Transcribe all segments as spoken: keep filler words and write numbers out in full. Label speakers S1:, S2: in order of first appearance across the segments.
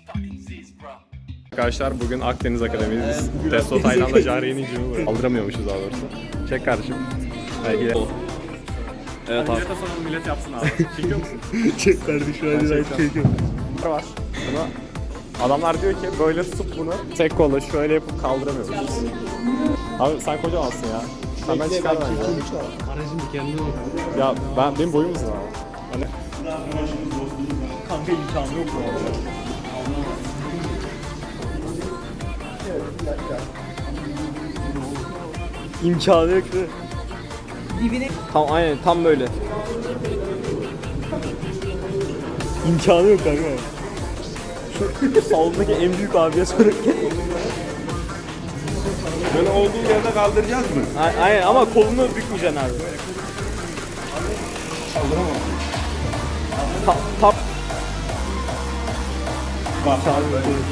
S1: Arkadaşlar bugün Akdeniz Akademi'deyiz. Testo Tayland'da Cahreyn'in cümü kaldıramıyormuşuz daha doğrusu. Çek kardeşim. Belki evet abi. Millete soralım, millet yapsın abi. Çekiyor musun?
S2: Çek kardeşim hadi ben çekiyorum.
S1: Var. Bunu adamlar diyor ki böyle tutup bunu tek kolla şöyle yapıp kaldıramıyormuşuz. Abi sen kocamansın ya. Sen ben çıkar bence.
S2: Aracın kendine bak.
S1: Ya ben benim boyum uzun abi. Hani
S2: Kanka imkanı yok mu? İmkanı yok değil mi?
S3: Dibine
S2: Tam aynen tam böyle. İmkanı yok kanka. Şu salondaki en büyük abiye sorarken.
S4: Böyle olduğu yerde kaldıracağız mı?
S2: A- Aynen ama kolunu bükmeyeceksin abi.
S4: Kaldıramam.
S2: Ta tap.
S4: Bak abi.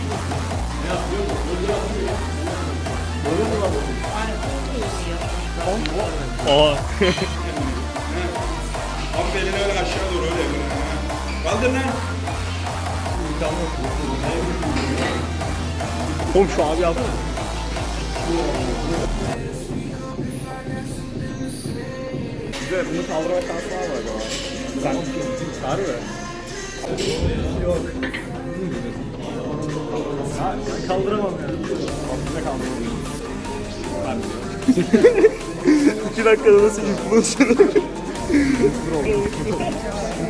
S2: Aa.
S4: Abi belini öyle aşağı doğru öyle yapın. Kaldır lan.
S2: Oğlum şu abi yapma.
S1: bize bunu kaldırma şansı var mı acaba? Sen var mı? Yok. Ha, ben kaldıramam ya. Aslında kaldıramam. Ben biliyorum.
S2: İki dakikada nasıl influencer olur?